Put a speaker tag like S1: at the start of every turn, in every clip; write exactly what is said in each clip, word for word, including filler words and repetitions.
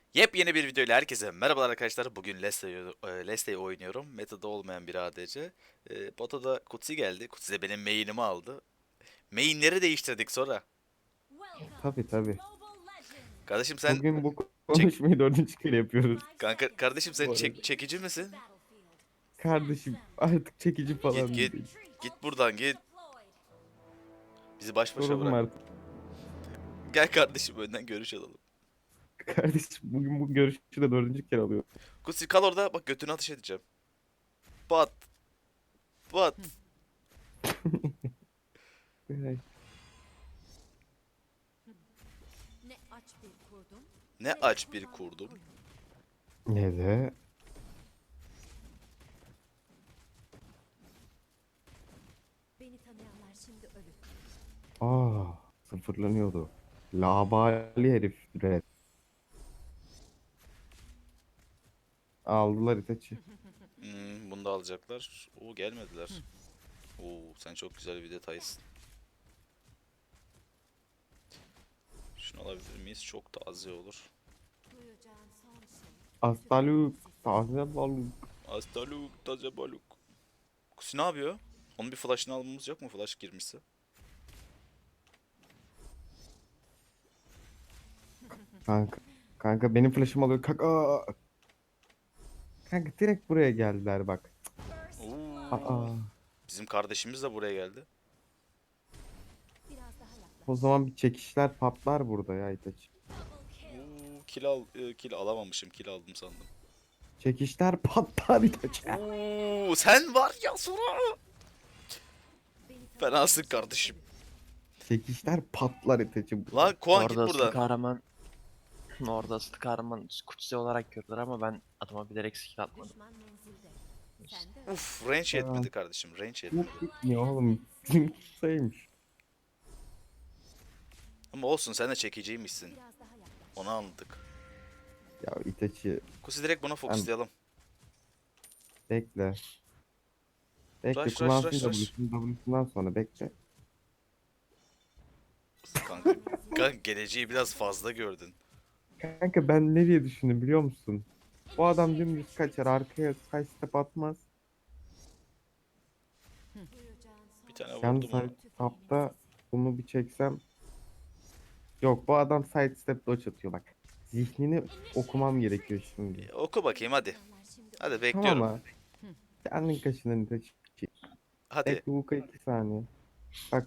S1: Yepyeni bir videoyla herkese merhabalar arkadaşlar. Bugün Leslie'yi e, Leslie'yi oynuyorum. Meta'da olmayan bir A D C. E, Bota da Kutsi geldi. Kutsi de benim main'imi aldı. Main'leri değiştirdik sonra.
S2: Tabii tabii.
S1: Kardeşim sen
S2: Bugün bu
S1: çek
S2: konuşmayı dördüncü kere yapıyoruz
S1: kanka kardeşim sen
S2: bu
S1: çek
S2: arada.
S1: çekici misin?
S2: Kardeşim artık çekici
S1: Git
S2: falan
S1: git.
S2: değil.
S1: Git buradan git. Bizi baş başa
S2: Soralım
S1: bırak.
S2: artık.
S1: Gel kardeşim önden görüş alalım.
S2: Kardeşim bugün bu görüşü de dördüncü kere alıyor.
S1: Kutsi kal orada bak götünü ateş edeceğim. Bat bat.
S2: Ay,
S3: Ne aç bir kurdum,
S1: Ne
S3: ne de
S1: aç bir
S3: kurban
S1: kurdum.
S3: koyun.
S2: ne de?
S3: Beni tanıyanlar şimdi ölür.
S2: Aa, sıfırlanıyordu. Labali herif. Red. Aldılar Itachi.
S1: Hmm, bunu da alacaklar. Oo gelmediler. Oo sen çok güzel bir detaysın. Şunu alabilir miyiz? Çok da az iyi olur.
S3: Duyacağın son şey.
S2: Astaluk. Taze balık.
S1: Astaluk, taze baluk. Kusi ne yapıyor? Onun bir flash'ını almamız yok mu? Flash girmişse.
S2: Kanka. Kanka benim flash'ım alıyor. Kanka. Kanka direkt buraya geldiler bak.
S1: Oo.
S2: Aa.
S1: Bizim kardeşimiz de buraya geldi.
S3: Biraz daha
S2: O
S3: yaklaş.
S2: zaman bir çekişler patlar burada ya Itachi.
S1: Oo, kill al, e, kill alamamışım. Kill aldım sandım.
S2: Çekişler patlar Itachi.
S1: Oo, sen var ya sonra.
S3: Beni
S1: Fenasın
S3: tanıyanlar şimdi
S1: kardeşim.
S3: ölür.
S2: Çekişler patlar Itachi
S1: Lan
S2: burada.
S1: Kuan
S4: Orada
S1: git
S4: asıl
S1: buradan.
S4: kahraman orada asıl kahraman Kutsi olarak gördüler ama ben adıma bilerek skill atmadım.
S3: Düşman menzilde. Sen de öl.
S1: Uf range
S2: Aa,
S1: yetmedi kardeşim. Range
S2: bu
S1: yetmedi.
S2: gitmiyor oğlum. Bizim saymış.
S1: Ama olsun sen de çekiciymişsin.
S3: Biraz daha yaklaş.
S1: Onu anladık.
S2: Ya Itachi
S1: Kusi direkt buna
S2: sen
S1: fokuslayalım.
S2: bekle. Bekle
S1: Rush rush
S2: kullansın
S1: rush rush.
S2: W'sunu W'sundan sonra bekle.
S1: Kanka,
S3: Düşman
S1: kanka
S3: menzilde.
S1: geleceği biraz fazla gördün.
S2: Kanka ben ne diye düşündüm biliyor musun? Bu adam dümdüz kaçar arkaya side step atmaz.
S3: Duyacağın
S1: Bir
S3: son
S1: tane
S3: şey.
S2: Yalnız
S1: vurdum onu.
S2: side
S3: Tüfeğimin
S2: tapta
S3: sesi.
S2: bunu bir çeksem. Yok bu adam side step dodge atıyor bak. Zihnini okumam gerekiyor şimdi.
S1: E, oku bakayım
S3: Beni
S1: hadi.
S3: tanıyanlar şimdi
S1: Hadi
S3: ölür.
S2: Tamam
S1: bekliyorum.
S2: ha. Kendin kaşının Itachi.
S1: Hadi.
S2: Bekle bu iki saniye. Bak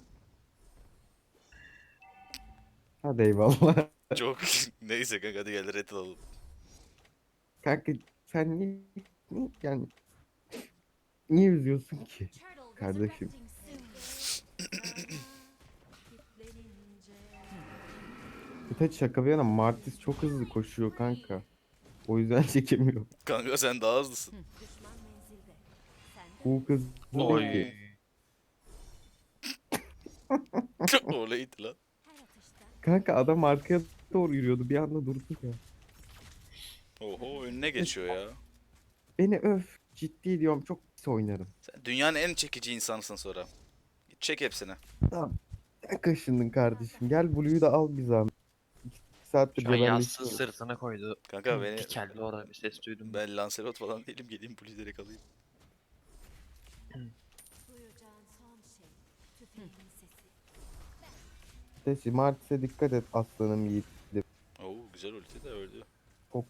S2: hadi eyvallah.
S1: Çok neyse kanka hadi gel red alalım.
S2: Kanka sen niye, niye- yani niye üzüyorsun ki
S3: Turtle
S2: kardeşim?
S3: resurrecting soon. Kitlenince.
S2: Itachi şaka bir yana Martis çok hızlı koşuyor kanka. O yüzden çekemiyor.
S1: Kanka sen daha hızlısın.
S3: Düşman menzilde. Sen de
S2: Bu
S3: öl.
S2: hızlı değil
S1: Oy.
S2: ki.
S1: Öyleydi lan.
S3: Her atışta
S2: Kanka adam arkaya doğru yürüyordu bir anda durdu ya.
S1: Oho önüne geçiyor ya.
S2: Beni öf ciddi diyorum çok pis oynarım.
S1: Sen dünyanın en çekici insansın sonra. Git çek hepsini.
S2: Tamam. Sen kaşındın kardeşim. Gel Blue'yu da al bir zahmet. İki saattir
S4: Şu an yassı
S2: cebelleşiyoruz.
S4: sırtına koydu.
S1: Kanka beni
S4: Dikeldi orada bir ses duydum.
S1: ben Lancelot falan değilim geleyim Blue direkt alayım.
S3: duyacağın son şey. Tüfeğimin sesi.
S2: Itachi Martis'e dikkat et aslanım yiğidim.
S1: Oo güzel ulti de öldü.
S2: Çok-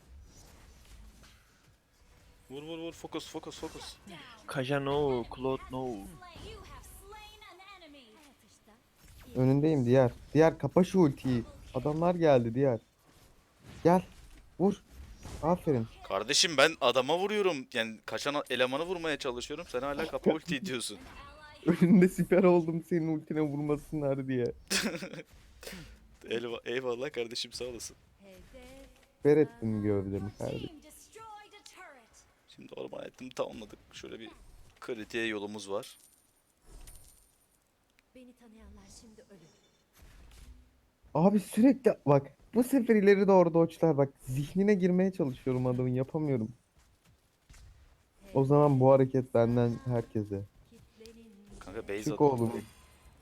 S1: Vur vur vur fokus fokus fokus.
S4: Kaja no, Claude no.
S3: You have slain an enemy. Her atışta.
S2: Önündeyim diğer. Diğer kapa şu ultiyi. Adamlar geldi diğer. Gel. Vur. Aferin.
S1: Kardeşim ben adama vuruyorum. Yani kaçan elemanı vurmaya çalışıyorum. Sen hala kapa ulti diyorsun.
S2: Önünde siper oldum senin ultine vurmasınlar diye.
S1: Eyvallah, eyvallah kardeşim sağ olasın.
S3: Hedef.
S2: Siper ettim gövdemi kardeşim.
S3: Team destroyed a turret.
S1: Şimdi orman ettim tamamladık. Şöyle bir kritiğe yolumuz var.
S3: Beni tanıyanlar şimdi ölür.
S2: Abi sürekli bak. Bu sefer ileri doğru doçlar bak. Zihnine girmeye çalışıyorum adamın yapamıyorum. O zaman bu hareket benden herkese.
S3: Kitlenince.
S1: Kanka base
S2: Çık
S1: at.
S2: oğlum.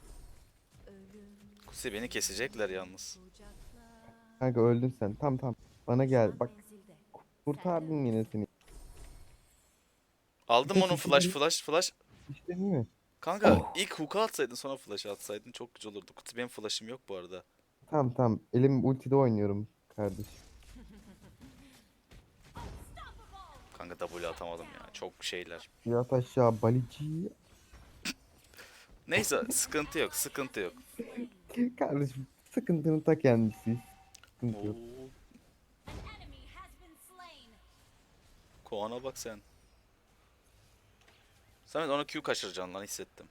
S3: Ölüm.
S1: Kusi beni kesecekler yalnız.
S3: Kucakla.
S2: Kanka öldün sen. Tam tam. Bana gel. Bak
S3: Menzilde.
S2: kurtardım yine seni.
S1: Aldım
S2: Peki,
S1: onun flash
S2: şimdi-
S1: flash flash.
S2: İşte değil mi?
S1: Kanka
S2: Oh.
S1: ilk hook'a atsaydın sonra flash atsaydın çok güzel olurdu. Kutsi benim flash'ım yok bu arada.
S2: Tamam tamam. Elim ultide oynuyorum kardeşim.
S1: Kanka W atamadım ya. Çok şeyler.
S2: Yat aşağı balici.
S1: Neyse sıkıntı yok sıkıntı yok.
S2: Kardeşim sıkıntının ta kendisi. Sıkıntı yok.
S1: Oo. Koana bak sen. Samet ona Q kaçıracaksın lan hissettim.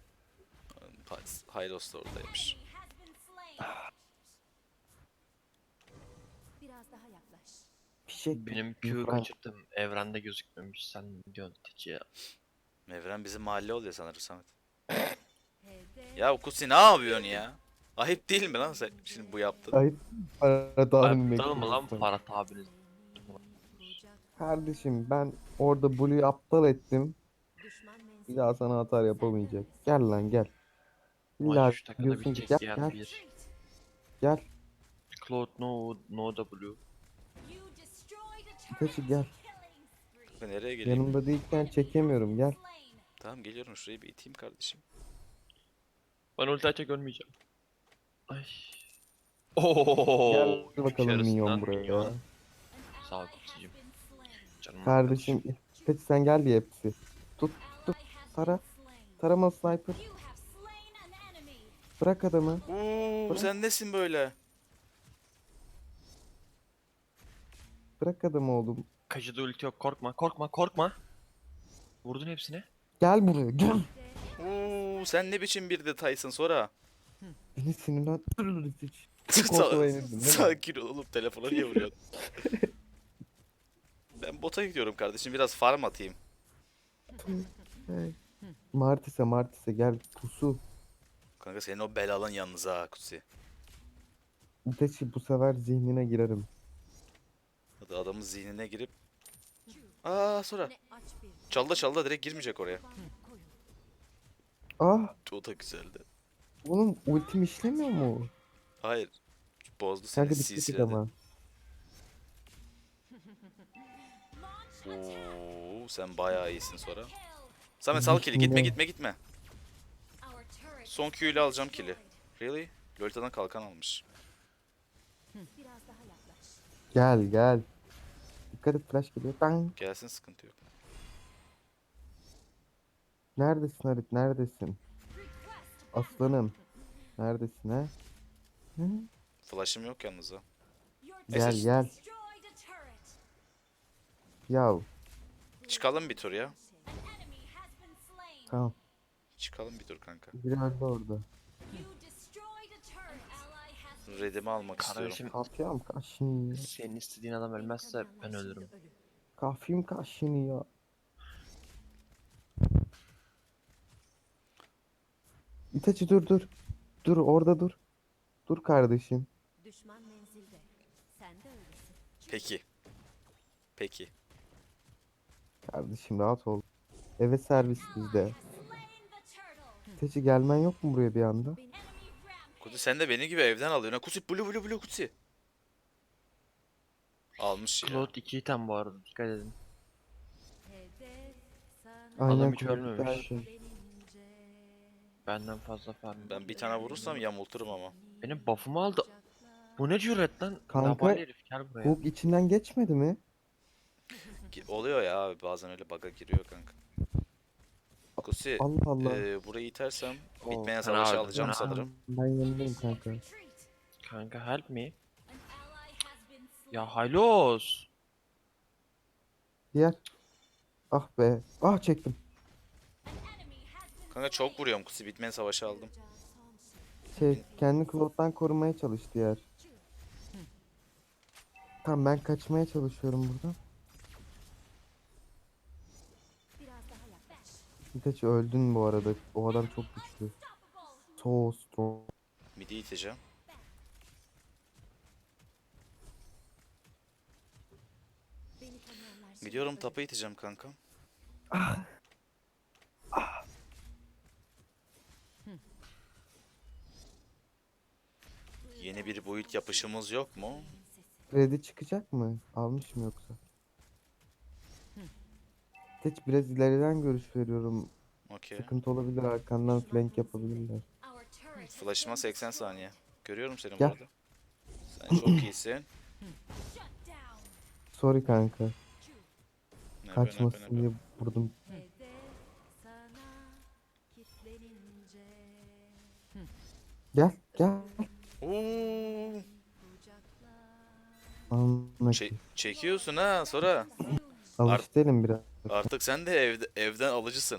S1: Hylos da oradaymış.
S3: Biraz daha yaklaş.
S2: Fişek.
S4: Benim Q
S2: Frank.
S4: kaçırdım. Evrende gözükmemiş. Sen ne diyorsun Tici ya?
S1: Evren bizim mahalle oluyor sanırım Samet.
S3: Hedef
S1: Ya Kutsi ne yapıyorsun ya? Ayıp değil mi lan sen şimdi bu yaptın?
S2: Ayıp. Ferhat abinin
S4: Aptal mı lan
S2: bekliyorsun.
S4: Ferhat abiniz?
S3: bulacak.
S2: Kardeşim ben orada Blue'yu aptal ettim.
S3: Düşman
S2: Bir
S3: menzilde.
S2: daha sana atar yapamayacak. Gel lan gel. İlla
S4: Maç üç dakikada
S2: diyorsun ki
S4: bitecek
S2: gel
S4: ya
S2: gel
S4: bir.
S2: gel.
S4: Cloud no no W.
S2: Itachi gel.
S1: Kanka nereye geleyim?
S2: Yanımda değilken çekemiyorum gel.
S1: Tamam geliyorum şurayı bir iteyim kardeşim.
S4: Ben ulti açacak ölmeyeceğim. Ay. Oo.
S2: Gel bakalım
S4: yarısından
S2: minyon buraya.
S4: minyon. Sağ ol Kutsi'cim. Canım
S2: Kardeşim Itachi sen gel diye hepsi. Tut tut. Tara. Tarama sniper. Bırak adamı.
S1: Oo sen nesin böyle?
S2: Bırak adamı oğlum.
S4: Kajıda ulti yok korkma korkma korkma. Vurdun hepsine.
S2: Gel buraya gel.
S1: Oo sen ne biçim bir detaysın sonra?
S2: Beni sinirlendirme Itachi. Çok ortada yenildin değil mi?
S1: Sakin ol oğlum telefona niye vuruyorsun? Ben bota gidiyorum kardeşim biraz farm atayım.
S2: Hey. Martis'e Martis'e gel pusu.
S1: Kanka senin o belalın yalnız ha Kutsi.
S2: Itachi bu sefer zihnine girerim.
S1: Hadi adamın zihnine girip aa sonra
S3: Ne aç bir
S1: çalda çalda direkt girmeyecek oraya.
S3: kurban koyun.
S2: Ah
S1: O da güzeldi.
S2: oğlum ultim işlemiyor mu?
S1: Hayır. Bozdu seni
S2: Kanka dikkat et
S1: silsiledi.
S2: ama.
S1: Oo sen bayağı iyisin sonra. Samet sal kili gitme
S2: Zihnine-
S1: gitme gitme. Son Q ile alacağım kili. Really? Lolita'dan kalkan almış.
S3: Biraz daha yaklaş.
S2: Gel gel. Dikkat et flash geliyor. Bang.
S1: Gelsin sıkıntı yok.
S2: Neredesin Harit neredesin? Aslanım. Neredesin ha? Hı?
S1: Flash'ım yok yalnız ha.
S2: Gel
S1: Neyse,
S2: gel. Yav.
S1: çıkalım bir tur ya.
S2: Tamam.
S1: Çıkalım bir tur kanka.
S2: Biri öldü orada.
S1: Redimi almak istiyorum.
S4: Kardeşim
S2: Kalkıyorum kaşını.
S4: senin istediğin adam ölmezse ben ölürüm.
S2: Kafim kaşını ya. Itachi dur dur. Dur orada dur. Dur kardeşim.
S3: Düşman menzilde. Sen de öylesin.
S1: Peki. Peki.
S2: Kardeşim rahat ol. Eve servis bizde. Itachi gelmen yok mu buraya bir anda?
S1: Kutsi sen de benim gibi evden alıyorsun. ha. Kutsi blue blue blue Kutsi. Almış ya.
S4: Cloud iki item bu arada dikkat edin.
S3: Hedef sana
S2: Aynen
S4: Adam hiç
S2: kulüpte
S4: ölmemiş.
S2: her şey.
S3: gelince.
S4: Benden fazla farm.
S1: Ben bir tane vurursam yamulturum ama.
S4: Benim buff'ımı aldı. Bu ne cüret lan?
S2: Kanka,
S4: Labali herif gel buraya.
S2: Hook içinden geçmedi mi?
S1: Ki- Oluyor ya abi bazen öyle bug'a giriyor kanka. Kutsi
S2: Allah Allah.
S1: e, burayı itersem
S4: Oo,
S1: bitmeyen
S4: fena
S1: savaşı
S4: öldü,
S1: alacağım
S4: fena.
S1: sanırım.
S2: Ben yanındayım kanka.
S4: Kanka help me. Ya Hylos.
S2: Diğer. Ah be. Ah çektim.
S1: Kanka çok vuruyorum Kutsi bitmeyen savaşı aldım.
S2: Şey kendi Claude'dan korumaya çalış diğer. Tamam ben kaçmaya çalışıyorum buradan.
S3: Biraz daha yaklaş.
S2: Itachi öldün bu arada. O adam çok güçlü. So strong.
S1: Midi iteceğim.
S3: Beni tanıyanlar şimdi
S1: Gidiyorum
S3: öyle.
S1: tapa iteceğim kanka. Yeni bir boyut yapışımız yok mu?
S2: Freddy çıkacak mı? Almış mı yoksa? Hiç biraz ileriden görüş veriyorum.
S1: Okey.
S2: Sıkıntı olabilir, arkandan flank yapabilirler.
S3: Our turret has
S1: Flash'ıma
S3: been
S1: seksen
S3: destroyed.
S1: saniye. Görüyorum seni bu
S2: Gel.
S1: arada. Sen çok iyisin.
S3: Shut down.
S2: Sorry kanka.
S1: Ne be ne be
S2: Kaçmasın
S1: ne be.
S2: diye vurdum.
S3: Hedef sana kitlenince
S2: Gel gel.
S1: Oo,
S3: kucakla.
S2: Anla
S1: çe-
S2: ki.
S1: çekiyorsun ha sonra.
S2: Alıştı elim biraz.
S1: Artık sen de evde, evden alıcısın.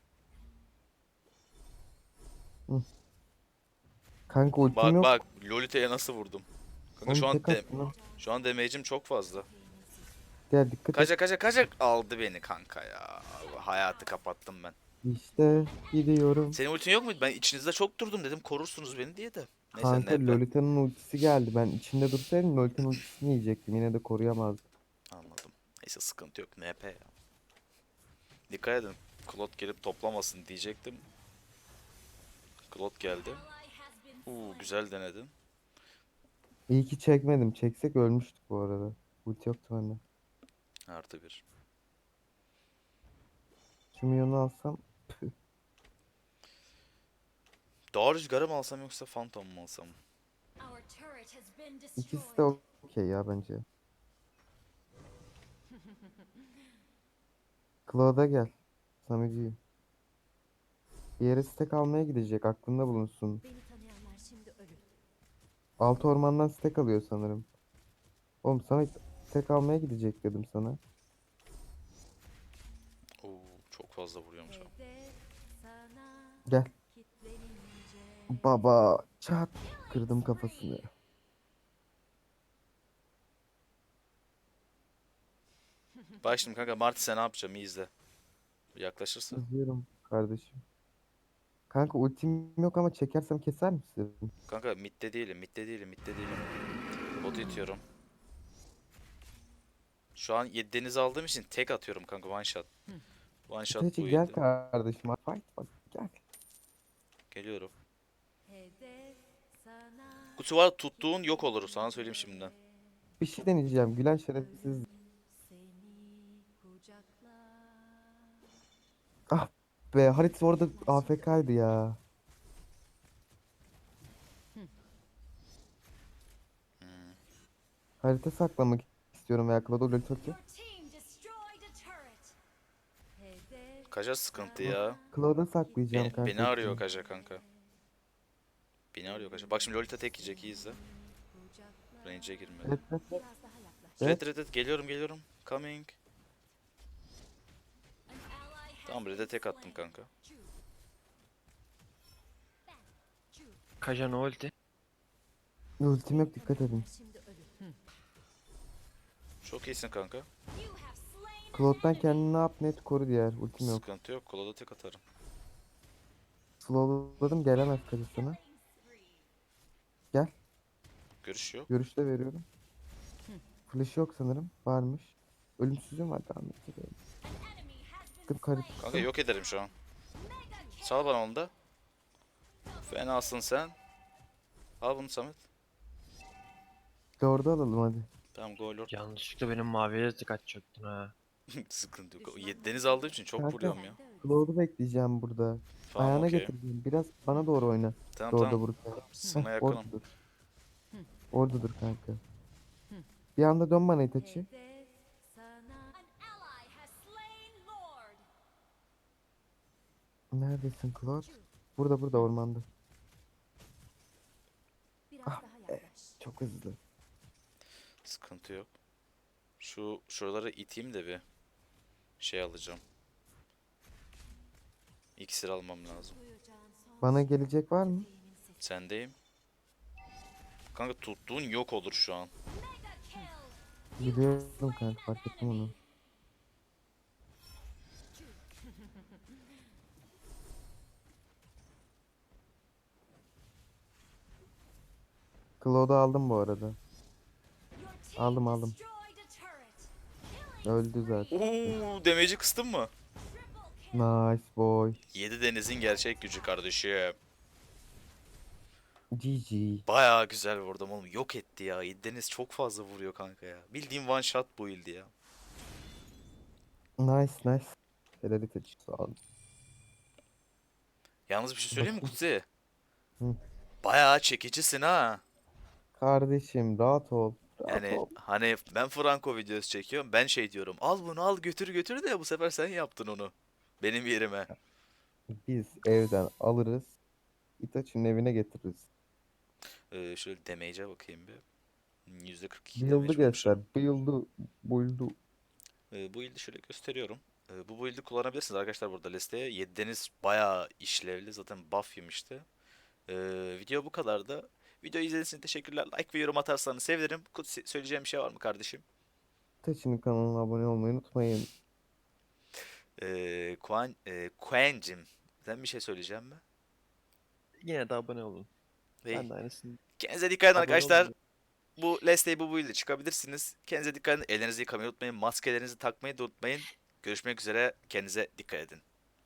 S2: Kanka ultim
S1: Bak
S2: yok.
S1: bak Lolita'ya nasıl vurdum. Kanka şu
S2: Oğlum
S1: an
S2: tek
S1: de,
S2: attım lan.
S1: şu an damage'im çok fazla.
S2: Gel dikkat et.
S1: Kaca kaca kaca aldı beni kanka ya. Hayatı kapattım ben.
S2: İşte gidiyorum.
S1: Senin ultin yok muydu? Ben içinizde çok durdum dedim korursunuz beni diye de. Neyse
S2: Kanka
S1: ne be.
S2: Lolita'nın ultisi geldi. Ben içinde dursaydım Lolita'nın ultisini yiyecektim. Yine de koruyamazdım.
S1: Anladım. Neyse sıkıntı yok. N P ya. Dikkat edin. Claude gelip toplamasın diyecektim. Claude geldi.
S3: Ally has been
S1: Uuu
S3: slain.
S1: güzel denedin.
S2: İyi ki çekmedim. Çeksek ölmüştük bu arada. Ulti yoktu bende.
S1: Artı bir.
S2: Şu milyonu alsam.
S1: Dağ rüzgarı mı alsam yoksa Phantom mu alsam?
S3: Our turret has been
S2: İkisi de
S3: destroyed.
S2: okey ya bence. Claude'a gel. Samici'yi. Bir yere stack almaya gidecek. Aklında bulunsun.
S3: Beni tanıyanlar şimdi ölür.
S2: Altı ormandan stack alıyor sanırım. Oğlum Samet stack almaya gidecek dedim sana.
S1: Oo çok fazla vuruyormuş abi.
S3: Hedef sana
S2: Gel.
S3: kitlenince
S2: Baba çat. Kırdım kafasını.
S1: Bak şimdi kanka Marty sen ne yapacağım iyi izle. Yaklaşırsa.
S2: İzliyorum kardeşim. Kanka ultim yok ama çekersem keser misin?
S1: Kanka midde değilim midde değilim midde değilim. Botu itiyorum. Şu an yedi deniz aldığım için tek atıyorum kanka one shot. One shot
S2: Teci
S1: bu
S2: gel
S1: yedi.
S2: kardeşim. Fight bak gel.
S1: Geliyorum.
S3: hedef sana
S1: Kutu var tuttuğun yok olur sana söyleyeyim şimdiden.
S2: Bir şey deneyeceğim. Gülen şerefsiz.
S3: seni kucakla.
S2: Ah be Halit orada A F K'ydı ya. Harita saklamak istiyorum ya. Claude ulti atıyor.
S3: Your team destroyed a turret. Hedef
S1: Kaja sıkıntı ya.
S2: Claude'a saklayacağım
S1: Beni,
S2: kanka.
S1: beni arıyor
S2: ultiyi.
S1: Kaja kanka. Beni arıyor Kaja. Bak şimdi Lolita tek yiyecek iyi izle.
S3: kucakla.
S1: Range'e girmedi.
S2: Evet, evet.
S3: Biraz daha yaklaş.
S2: Evet.
S1: Red red red geliyorum geliyorum. Coming.
S3: An ally has
S1: Tamam red'e
S3: been
S1: tek attım
S3: slain.
S1: kanka.
S3: Choose. Ben. Choose.
S4: Kaja no ulti.
S2: Ultim yok dikkat edin.
S3: Şimdi ölür.
S1: Çok iyisin kanka.
S3: You have slain an
S2: Claude'dan
S3: enemy.
S2: kendini ne yap net koru diğer. Ultim yok.
S1: Sıkıntı yok. Kola da tek atarım.
S2: Slowladım gelemez karısına. Gel.
S1: Görüş yok.
S2: Görüşte veriyorum. Flash yok sanırım. Varmış. Ölümsüzlüğüm var devam edeceğim.
S3: An enemy has been
S2: Tıp karı
S3: slain.
S1: Kanka yok ederim şu an.
S3: Mega kill.
S1: Sal bana onu da. Fenasın sen. Al bunu Samet.
S2: Lord'u alalım hadi.
S1: Tamam go lord.
S4: Yanlışlıkla benim maviye de tık çöktün ha.
S1: Sıkıntı yok. Yedi deniz aldığım için çok
S2: Kanka.
S1: vuruyorum ya.
S2: Lord'u bekleyeceğim burada.
S1: Tamam
S2: Ayağına
S1: okey.
S2: getireceğim. Biraz bana doğru oyna.
S1: Tamam
S2: Lord'a
S1: tamam.
S2: vururken.
S1: Sana
S2: Heh,
S1: yakınım.
S2: orada dur. Orada dur kanka. Bir anda dön bana Itachi.
S3: Hedef sana. An ally has slain Lord.
S2: Neredesin Claude? Burada burada ormanda.
S3: Biraz
S2: Ah
S3: daha yaklaş.
S2: Çok hızlı.
S1: Sıkıntı yok. Şu şuraları iteyim de bir şey alacağım. İksir almam lazım.
S3: Duyacağın son
S2: Bana gelecek var mı?
S3: şeyimin sesi.
S1: Sendeyim. Kanka tuttuğun yok olur şu an.
S3: Mega kill.
S2: Biliyorum kanka fark ettim onu. Claude'u aldım bu arada.
S3: Your team
S2: Aldım, aldım.
S3: destroyed a turret. Killing
S2: Öldü zaten.
S1: Uuu damage'i kıstın mı?
S3: triple kill.
S2: Nice boy.
S1: Yedi denizin gerçek gücü kardeşim.
S2: G G.
S1: Bayağı güzel vurdum oğlum. Yok etti ya. Deniz çok fazla vuruyor kanka ya. Bildiğim one shot bu build ya.
S2: Nice nice. Helal taç. Sağ ol.
S1: Yalnız bir şey söyleyeyim mi
S2: Bakayım.
S1: Kutsi?
S2: Hı.
S1: Bayağı çekicisin ha.
S2: Kardeşim rahat ol. Rahat
S1: Yani
S2: ol.
S1: hani ben Franco videosu çekiyorum. Ben şey diyorum. Al bunu al götür götür de bu sefer sen yaptın onu. Benim yerime.
S2: Biz evden alırız. Itachi'nin evine getiririz.
S1: Ee, şöyle damage'e bakayım bir. yüzde kırk iki
S2: Build'u
S1: damage
S2: göster.
S1: vurmuşum.
S2: Build'u. Build'u.
S1: Ee, bu build'i şöyle gösteriyorum. Ee, bu build'i kullanabilirsiniz arkadaşlar burada listeye. yedi deniz bayağı işlevli. Zaten buff yemişti. Ee, video bu kadardı. Video izlediğiniz için teşekkürler. Like ve yorum atarsanız sevinirim. Kutsi, söyleyeceğim bir şey var mı kardeşim?
S2: Itachi'nin kanalına abone olmayı unutmayın.
S1: Ee, Kuan, e, Kuen'cim, sen bir şey söyleyeceğim mi?
S4: Yine de abone olun.
S1: Hey,
S4: Ben de aynısını
S1: kendinize dikkat edin
S4: abone
S1: arkadaşlar.
S4: olun.
S1: Bu Let's Day bu build'e çıkabilirsiniz. Kendinize dikkat edin. Ellerinizi yıkamayı unutmayın. Maskelerinizi takmayı da unutmayın. Görüşmek üzere. Kendinize dikkat edin.